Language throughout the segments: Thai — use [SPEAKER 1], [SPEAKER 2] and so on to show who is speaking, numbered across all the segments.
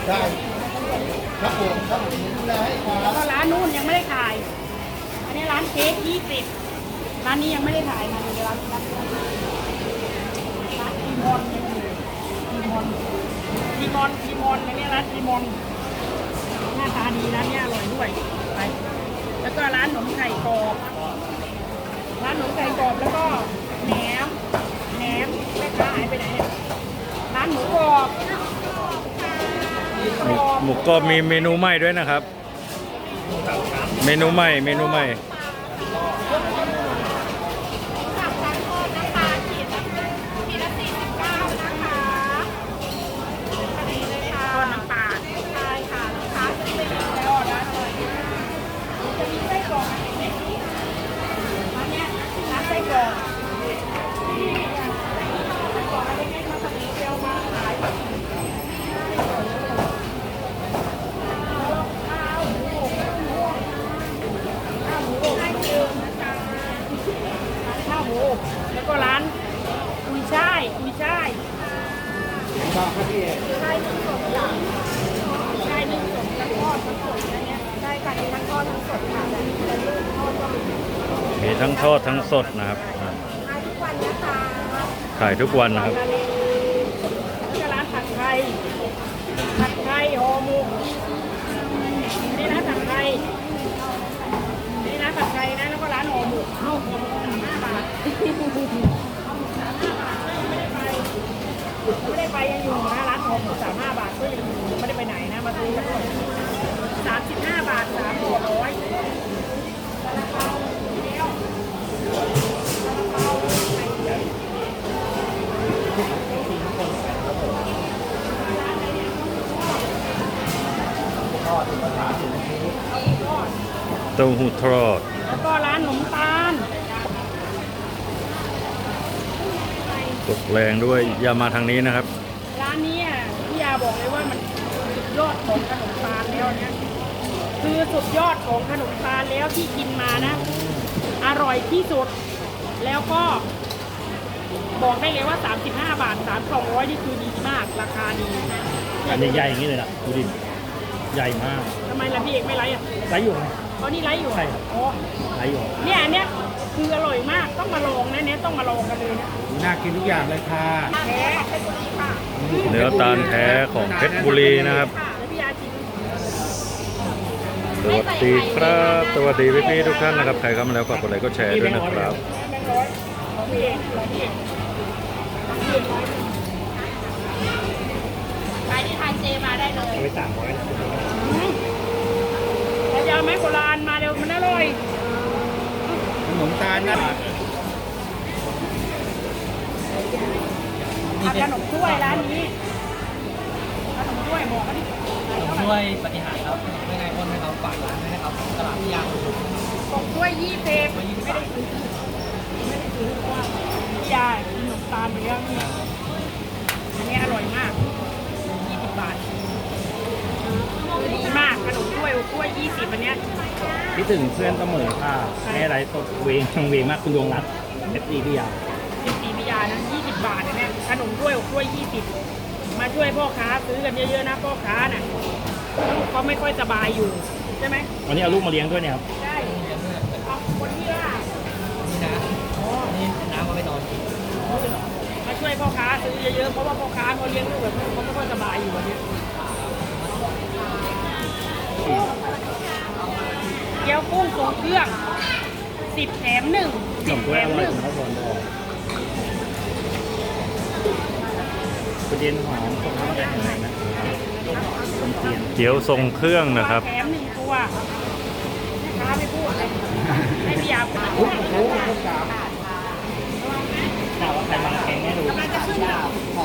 [SPEAKER 1] ได้ครับผมครับผมดูแลให้ครับ
[SPEAKER 2] แล้วก็ร้านนู้นยังไม่ได้ขายอันนี้ร้านเค้ก20ร้านนี้ยังไม่ได้ขายนะเดี๋ยวร้านทีมอนอันนี้ร้านทีมอนหน้าตาดีร้านนี้อร่อยด้วยไปแล้วก็ร้านขนมไข่กรอบแล้วก็แหนมแม่ค้าหายไปไหนเนี่ยร้านหมูกรอบ
[SPEAKER 3] หมูกรอบมีเมนูใหม่ด้วยนะครับ เมนูใหม่
[SPEAKER 2] น้ำปลาใช่ค่ะลูกค้าจะไปดูแล้วร้านอร่อยมากจะมีไส้กรอกเล็กๆร้านเนี้ยร้านไส้กรอกไส้กรอกเล็กๆมาทำเดียวมาขายแบบข้าวหมูให้เดิมนะคะข้าวหมูแล้วก็ร้านกุยช่าย
[SPEAKER 1] บ้าครับพี่เอ
[SPEAKER 2] ใช่นึ่งสดอย่างใช่นึ่งสดทั้งทอดทั้งสดอะไรเงี้ยใช่ค่ะมีทั้งทอดทั้งสดค่ะแต่ลูกทอดก็มี
[SPEAKER 3] ๆ มีทั้งทอดทั้งสดนะครับ
[SPEAKER 2] ขายทุกวันนะคะ
[SPEAKER 3] ขายทุกวันนะครับ
[SPEAKER 2] แล้วก็ร้านผัดไทยห่อหมกนี่ร้านผัดไทยนะแล้วก็ร้านห่อหมกห่อหมก35 บาทไม่ได้ไปยังอยู่นะร้านห่อหมก35 บาทก็ยังอยู่ไม่ได้ไปไหนนะมาซื้อกันก่อน35 บาท3ห่อ100
[SPEAKER 3] เต้าหู้ทอด
[SPEAKER 2] แล้วก็ร้านขนมตาล
[SPEAKER 3] ตกแรงด้วยอย่ามาทางนี้นะครับ
[SPEAKER 2] ร้านนี้พี่ยาบอกเลยว่ามันสุดยอดของขนมตาลแล้วเนี่ยคือสุดยอดของขนมตาลแล้วที่กินมานะ อร่อยที่สุดแล้วก็บอกได้เลยว่า35 บาท300นี่คือดีมากราคาดี
[SPEAKER 4] อันนี้ใหญ่อย่างนี้เลยนะดูดิใหญ่มาก
[SPEAKER 2] ทำไมล่ะพี่เอกไม่ไลฟ์อ่ะ
[SPEAKER 4] ไซส์อยู่ไหม
[SPEAKER 2] เพราะนี่ไลฟ์อยู่
[SPEAKER 4] ใช่ครับ
[SPEAKER 2] อ๋อ
[SPEAKER 4] ไซส์อยู่
[SPEAKER 2] เนี่ยอันเนี้ยคืออร่อยมากต้องมาลองนะเนี่ยต้องมาลองกันเลยนะ
[SPEAKER 1] น่ากินทุกอย่างเลยค่ะ
[SPEAKER 2] แท้เพชรบุรีค่ะ
[SPEAKER 3] เนื้อตาลแท้ของเพชรบุรีนะครับ
[SPEAKER 2] ค่ะแล้วพี่ยาชิม
[SPEAKER 3] สวัสดีครับ สวัสดีพี่ๆทุกท่านนะครับ ใครเข้ามาแล้วฝากกดไลค์กดแชร์ด้วยนะครับ
[SPEAKER 2] แบงค์ร้อยของพี่เอกไปที่ทานเจมาได้เลย
[SPEAKER 4] เอาไป300นะ
[SPEAKER 2] แล้วยาไม้โบราณมาเร็วมันอร่อย
[SPEAKER 1] ขนมตาลนะ
[SPEAKER 2] ขนมถ้วยร้านนี้ขนมถ้วยบอกเขาดิ
[SPEAKER 5] ด้วยปฏิหารย์ครับไม่ไงคนนะครับฝากร้านด้วยนะครับตลาดที่ยาง
[SPEAKER 2] บอกถ้วย20ไม่ได้ซื้อเพราะว่าพี่ยากินขนมตาลไปแล้วนี่อันนี้อร่อยมาก20 บาทดีมากขนมถ้วย20อันเนี้ย
[SPEAKER 4] คิดถึงเพื่อนเสมอค่ะแม่ไรสดเวงเวงมากคุณดวงรัตน์เอฟซีพี่ยา
[SPEAKER 2] 14พิยานะ20 บาทเนี่ยขนมถ้วย20มาช่วยพ่อค้าซื้อกันเยอะๆนะพ่อค้าน่ะลูกเขาไม่ค่อยสบายอยู่ใช่ไหม
[SPEAKER 4] วันนี้เอาลูกมาเลี้ยงด้วยเนี่ยครับ
[SPEAKER 2] ใช่เอาคนที่ว่า
[SPEAKER 5] นี่นะนี่น้ำมาไปนอนกิน
[SPEAKER 2] มาช่วยพ่อค้าซื้อเยอะๆเพราะว่าพ่อค้าเขาเลี้ยงลูกแบบเขาไม่ค่อยสบายอยู่วันนี้เกี๊ยวกุ้งทรงเครื่อง10 แถม 1
[SPEAKER 4] ขนม
[SPEAKER 2] 10
[SPEAKER 4] ถ้
[SPEAKER 2] แถ
[SPEAKER 4] วยอ
[SPEAKER 2] ม
[SPEAKER 4] ร่อยนะครับบอลบอกประเด็นหอมตรงนั้นได้ไหมนะคนเตียน
[SPEAKER 3] เกี๊ยวทรงเครื่องนะครับ
[SPEAKER 2] แถม 1 ตัวแม่ค้าไม่พูดเลยให้พี่ยาพูด
[SPEAKER 4] ถามว่าใครมาแข่งให้ดู
[SPEAKER 2] กำลังจะขึ้นแล้ว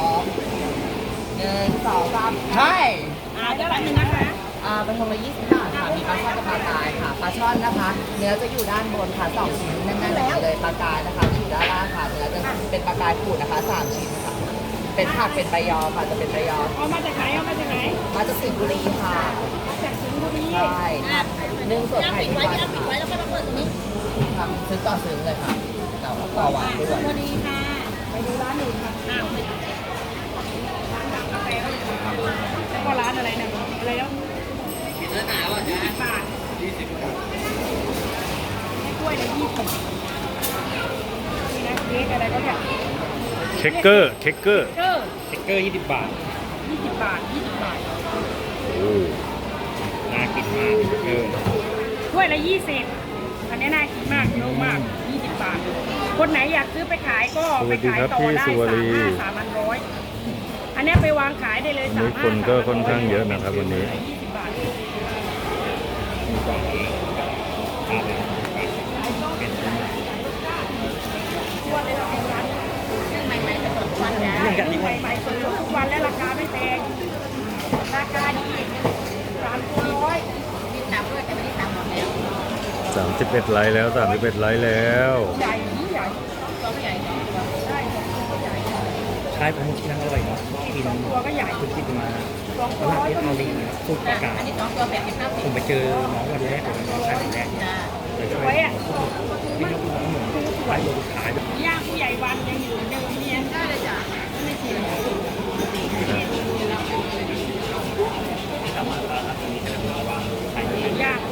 [SPEAKER 5] ใช่
[SPEAKER 2] ได้ละ1นะคะ
[SPEAKER 6] กระทงละ20 บาทค่ะ มีปลาช่อนกับปลากรายค่ะ ปลาช่อนนะคะ เนื้อจะอยู่ด้านบนค่ะ2 ชิ้นแน่นๆแบบนี้เลย ปลากรายนะคะจะอยู่ด้านล่างค่ะ เนื้อจะเป็นปลากรายขูดนะคะ3 ชิ้นค่ะ เป็นผักเป็นใบยอค่ะ จะเป็นใบยอ
[SPEAKER 2] เอามาจากไหนเอามาจากไหน
[SPEAKER 6] มาจากสิงห์บุรีค่ะ
[SPEAKER 2] มาจากสิงห์บุรี
[SPEAKER 6] ใช่นึ่งสดไข่ทุกวันค่ะค่ะซื้อต่อซื้อเลยค่ะต่อวันด้วย
[SPEAKER 2] สวัสดีค่ะ ไปดูร้านอื่นค่ะอ้าวร้านดังกาแฟแล้วก็ร้านอะไรเนี่ย
[SPEAKER 3] เทคเกอร์
[SPEAKER 2] เกอร์
[SPEAKER 4] เทคเกอร์20 บาท
[SPEAKER 2] 20 บาท 20 บาท
[SPEAKER 3] โอ้
[SPEAKER 4] น่ากินมากเทคเกอร์
[SPEAKER 2] ถ้วยละ 20 อันนี้น่ากินมากเยอะมาก 20 บาท คนไหนอยากซื้อไปขายก็
[SPEAKER 3] ส
[SPEAKER 2] ไป
[SPEAKER 3] วัสดี
[SPEAKER 2] ขาย
[SPEAKER 3] ครับ
[SPEAKER 2] ต่อ
[SPEAKER 3] พี่
[SPEAKER 2] ได้
[SPEAKER 3] สุวรี
[SPEAKER 2] 3,500 อันนี้ไปวางขายได้เลย
[SPEAKER 3] วันนี้คนก็ค่อนข้างเยอะนะครับวันนี้
[SPEAKER 2] 20 บาท ใหม่ๆสดทุกวันนะใหม่ๆสดทุกวันและราคาไม่แพง ราคาดี3ตัวร้อยมีตามด้วยแต่ไม่ได้ตามหมดแล้ว
[SPEAKER 3] 31 ไลค์แล้ว 31 ไลค์แล้ว
[SPEAKER 2] ใหญ่นี่ใหญ่ตัวใหญ่ใช่ตัวใหญ่
[SPEAKER 4] ใช่ผมกินอร่อยเนาะกิน
[SPEAKER 2] ตัวก็ใหญ่
[SPEAKER 4] คุณกินมา
[SPEAKER 2] 2
[SPEAKER 4] ต
[SPEAKER 2] ตัว
[SPEAKER 4] ลาด
[SPEAKER 2] ร้อย
[SPEAKER 4] ที่
[SPEAKER 2] ก็
[SPEAKER 4] เกาห
[SPEAKER 2] มี
[SPEAKER 4] ลีสูตรประกาศ
[SPEAKER 6] อันนี้2ตัว80
[SPEAKER 4] ผมไปเจอน้องวันแรกเลยใช่วันแรก
[SPEAKER 6] 50จ้า
[SPEAKER 4] เลยก็
[SPEAKER 2] ส
[SPEAKER 4] ไป
[SPEAKER 2] วยอ่ะ
[SPEAKER 4] ไม่ยกน้องเหมือนไปตัวสุดท้าย
[SPEAKER 2] ย่างผู้ใหญ่วันยังอยู่เดิมเนี่ยได้เลยจ้ะไม่ชิมย่าง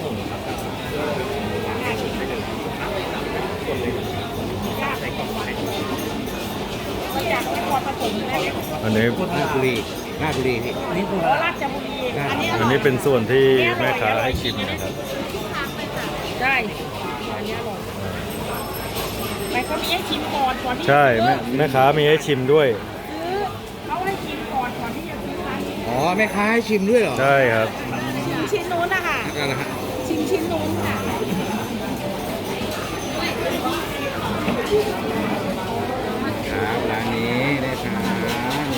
[SPEAKER 2] มาจากนครปฐมนะเนี่ย
[SPEAKER 3] อันนี้
[SPEAKER 4] ราชบุรีพี่นี่ตัว
[SPEAKER 2] โคราชบุรีอันนี้อ
[SPEAKER 3] อัน
[SPEAKER 2] ร่อย
[SPEAKER 3] นี้เป็นส่วนที่แม่ค้าให้ชิมนะครับ
[SPEAKER 2] ใช่อันนี้อร่อยไม่เขามีให้ชิมก่อนที่
[SPEAKER 3] ใช่แม่ค้ามีให้ชิมด้วย
[SPEAKER 2] ซื้อเขาให้ชิมก่อนที่จะซื้อร้านนี้
[SPEAKER 1] อ๋อแม่ค้าให้ชิมด้วยเหรอ
[SPEAKER 3] ใช่ครับ
[SPEAKER 2] ชิมชิ้นนู้นนะคะ
[SPEAKER 1] นั่นนะฮะ
[SPEAKER 2] ชิมชิ้นนู้นค่ะ
[SPEAKER 1] ครับร้านนี้ได้ครับนี่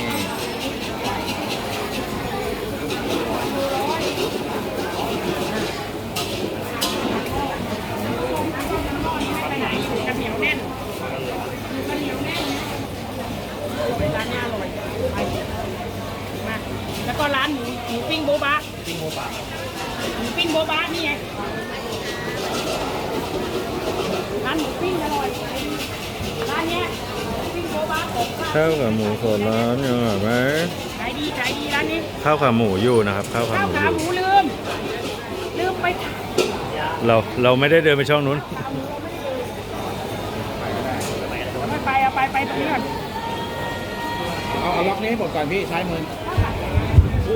[SPEAKER 2] ไปไหนอยู่กันเหนียวแน่นอยู่กันเหนียวแน่นนะร้านนี้อร่อยไปมาแล้วก็ร้านหมูปิ้งโบ๊ะหมูปิ้งโบ๊ะนี่ไงร้านหมูปิ้งอร่อยร้านเนี้ยหมูปิ้งโบ๊ะของข้าว
[SPEAKER 3] ข้าวขาหมูสดร้านยังไงไหม
[SPEAKER 2] ขายดีร้านนี้
[SPEAKER 3] ข้าวขาหมูอยู่นะครับ ข้าวขา
[SPEAKER 2] ข้า
[SPEAKER 3] ห
[SPEAKER 2] ว
[SPEAKER 3] มูอ
[SPEAKER 2] ขา
[SPEAKER 3] ยู่
[SPEAKER 2] หมูลืมไป
[SPEAKER 3] เราไม่ได้เดินไปช่องนู้น
[SPEAKER 2] ไม่ไปเอาไปตรงนี้ก่อน
[SPEAKER 1] เอาล็อกนี้ให้ผมก่อนพี่ใช้มือโอ้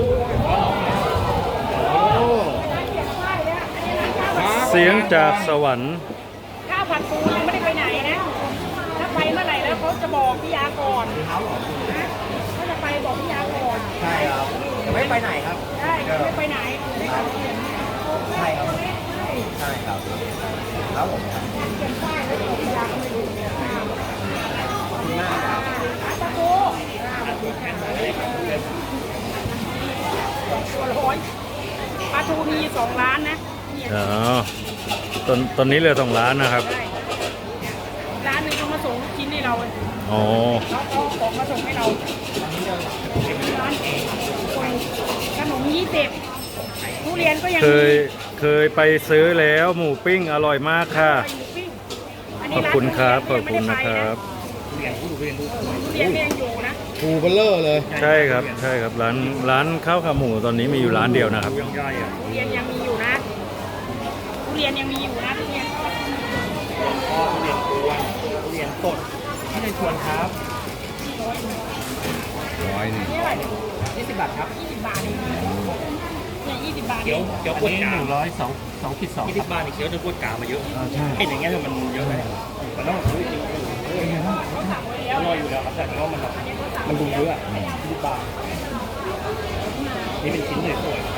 [SPEAKER 3] เสียงจากสวรรค์
[SPEAKER 2] ข้าวผัดปูยังไม่ได้ไปไหนนะ ถ้าไปเมื่อไหร่แล้วเขาจะบอกพี่ยาก่อนนะเขาจะไปบอกพี่ยาก่อน
[SPEAKER 5] ใช่ครับไม่ไปไหนครับ
[SPEAKER 2] ได้ไม่ไปไหนไม่ไปเปลี่ยน
[SPEAKER 5] ใช่ครับ ใช่ครับ ครับผม
[SPEAKER 2] เปลี่ยนป้ายแล้วบอกพี่ยาก็ไม่รู้ปลาทูตัวร้อยปลาทูมี2 ร้านนะเนี่ย
[SPEAKER 3] อ๋อตอนนี้เหลือ2 ร้านนะครับ
[SPEAKER 2] ได้ร้านหนึ่งเขามาส่งลูกชิ้นให้เรา
[SPEAKER 3] อ๋อ
[SPEAKER 2] เขาเอาของมาส่งให้เราร้านขนม20ทุเรียนก็ยัง
[SPEAKER 3] เคยไปซื้อแล้วหมูปิ้งอร่อยมากค่ะ
[SPEAKER 2] หมูปิ้งน
[SPEAKER 3] ข
[SPEAKER 2] นี้
[SPEAKER 3] อบคุณครับ ข
[SPEAKER 2] า
[SPEAKER 3] อน บ
[SPEAKER 2] ทุ
[SPEAKER 3] คุณ
[SPEAKER 2] เย
[SPEAKER 3] นะครับ
[SPEAKER 2] ทุเรียนก็ยังอยู่นะ
[SPEAKER 1] ทูเบลเลอร์เลย
[SPEAKER 3] ใช่ครับ ใช่ครับร้านข้าวขาหมูตอนนี้มีอยู่ร้านเดียวนะครับ
[SPEAKER 4] ย่องย่อยอ่ะ
[SPEAKER 2] ทุเรียนยังมีอยู่นะทุเรียนยังมีอยู่นะทุเรียนก็
[SPEAKER 4] ก็ทุเรียนกวนทุเรียนสดที่ในชวนครับ
[SPEAKER 1] ร้อยนี่
[SPEAKER 2] นี่อะไร
[SPEAKER 5] 20 บาทครับ
[SPEAKER 2] 20 บาทเองเนี่ย20 บาทเอ
[SPEAKER 4] เกี๊ยว
[SPEAKER 2] ง
[SPEAKER 4] เกี๊ยวกวนกา2.2 20 บาทนี่เกี๊ยวจะกวนกามาเยอะ
[SPEAKER 1] ใช่
[SPEAKER 4] เห็นอย่างเงี้ยมันเยอะเลยมันต้องอร่อยอยู่แล้วครับแต่ว่ามันดูเยอะ20 บาทนี่เป็นชิ้นสวย